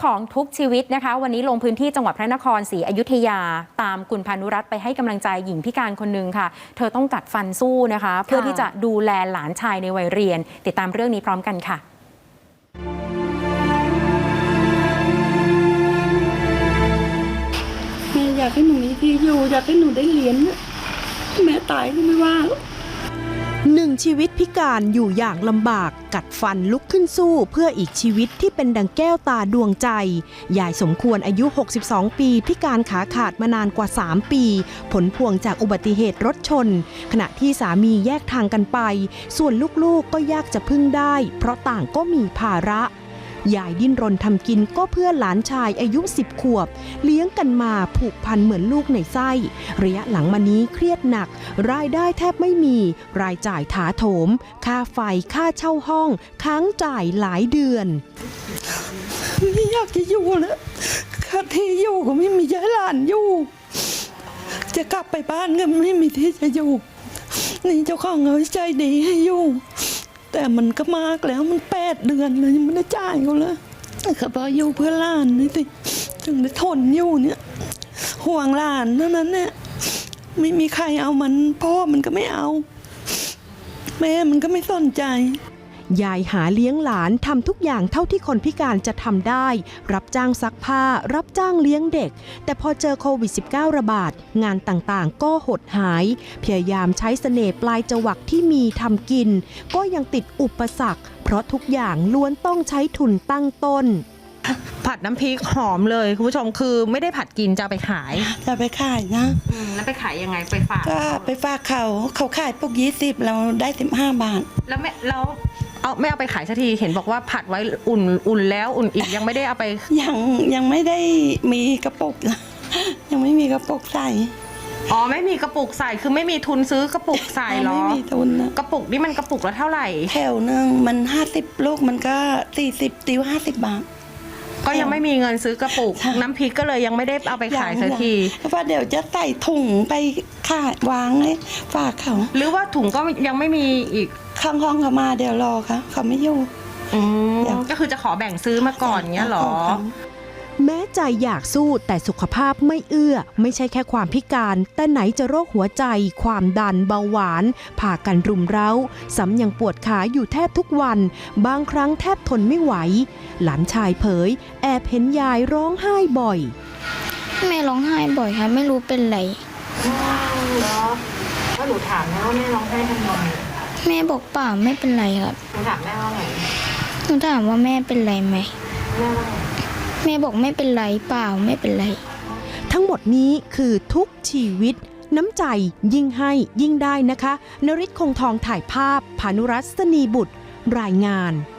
ของทุกชีวิตนะคะวันนี้ลงพื้นที่จังหวัดพระนครศรีอยุธยาตามคุณพานุรัตน์ไปให้กำลังใจหญิงพิการคนหนึ่งค่ะเธอต้องกัดฟันสู้นะคะเพื่อที่จะดูแลหลานชายในวัยเรียนติดตามเรื่องนี้พร้อมกันค่ะแม่อยากให้หนูมีที่อยู่อยากให้หนูได้เรียนแม่ตายก็ไม่ว่าหนึ่งชีวิตพิการอยู่อย่างลำบากกัดฟันลุกขึ้นสู้เพื่ออีกชีวิตที่เป็นดังแก้วตาดวงใจยายสมควรอายุ 62 ปีพิการขาขาดมานานกว่า 3 ปีผลพวงจากอุบัติเหตุรถชนขณะที่สามีแยกทางกันไปส่วนลูกๆก็ยากจะพึ่งได้เพราะต่างก็มีภาระยายดิ้นรนทำกินก็เพื่อหลานชายอายุ10 ขวบเลี้ยงกันมาผูกพันเหมือนลูกในไส้ระยะหลังมานี้เครียดหนักรายได้แทบไม่มีรายจ่ายถาโถมค่าไฟค่าเช่าห้องค้างจ่ายหลายเดือนไม่อยากจะอยู่แล้วค่าที่อยู่ก็ไม่มีย้ายหลานอยู่จะกลับไปบ้านก็ไม่มีที่จะอยู่นี่เจ้าของเขาใจดีให้อยู่แต่มันก็มากแล้วมัน8 เดือนเลยยังไม่ได้จ่ายเขาเลยเขาบอกอยู่เพื่อหลานนี่สิถึงได้ทนอยู่เนี่ยห่วงหลานเท่านั้นเนี่ยไม่มีใครเอามันพ่อมันก็ไม่เอาแม่มันก็ไม่สนใจยายหาเลี้ยงหลานทำทุกอย่างเท่าที่คนพิการจะทำได้รับจ้างซักผ้ารับจ้างเลี้ยงเด็กแต่พอเจอโควิด -19 ระบาดงานต่างๆก็หดหายพยายามใช้เสน่ห์ปลายจวักที่มีทำกินก็ยังติดอุปสรรคเพราะทุกอย่างล้วนต้องใช้ทุนตั้งต้นผัดน้ำพริกหอมเลยคุณผู้ชมคือไม่ได้ผัดกินจะไปขายจะไปขายนะแล้วไปขายยังไงไปฝากก็ไปฝากเขาขายพวก20เราได้15 บาทแล้วไม่เอาไปขายสักทีเห็นบอกว่าผัดไว้อุ่นแล้วอุ่นอีกยังไม่ได้เอาไปยังไม่ได้มีกระปุกยังไม่มีกระปุกใส่อ๋อไม่มีกระปุกใส่คือไม่มีทุนซื้อกระปุกใส่หรอไม่มีทุนนะกระปุกนี่มันกระปุกละเท่าไหร่แถวนึงมัน50 ลูกมันก็40 ติ้ว50 บาทก็ยังไม่มีเงินซื้อกระปุกน้ำพริกก็เลยยังไม่ได้เอาไปขายสักทีเพราะเดี๋ยวจะใส่ถุงไปขายวางให้ฝากเขาหรือว่าถุงก็ยังไม่มีอีกข้างห้องเขามาเดี๋ยวรอเขาไม่อยู่ก็คือจะขอแบ่งซื้อมาก่อนเงี้ยหรอแม้ใจอยากสู้แต่สุขภาพไม่เอื้อไม่ใช่แค่ความพิการแต่ไหนจะโรคหัวใจความดันเบาหวานพากันรุมเร้าซ้ำยังปวดขาอยู่แทบทุกวันบางครั้งแทบทนไม่ไหวหลานชายเผยแอบเห็นยายร้องไห้บ่อยแม่ร้องไห้บ่อยค่ะไม่รู้เป็นไรแล้วหนูถามแม่ว่าแม่ร้องไห้ทำไมแม่บอกเปล่าไม่เป็นไรครับหนูถามแม่ว่าไงหนูถามว่าแม่เป็นไรไหมแม่บอกไม่เป็นไรเปล่าไม่เป็นไรทั้งหมดนี้คือทุกชีวิตน้ำใจยิ่งให้ยิ่งได้นะคะนฤทธิ์คงทองถ่ายภาพพานุรัตน์ สนีบุตรรายงาน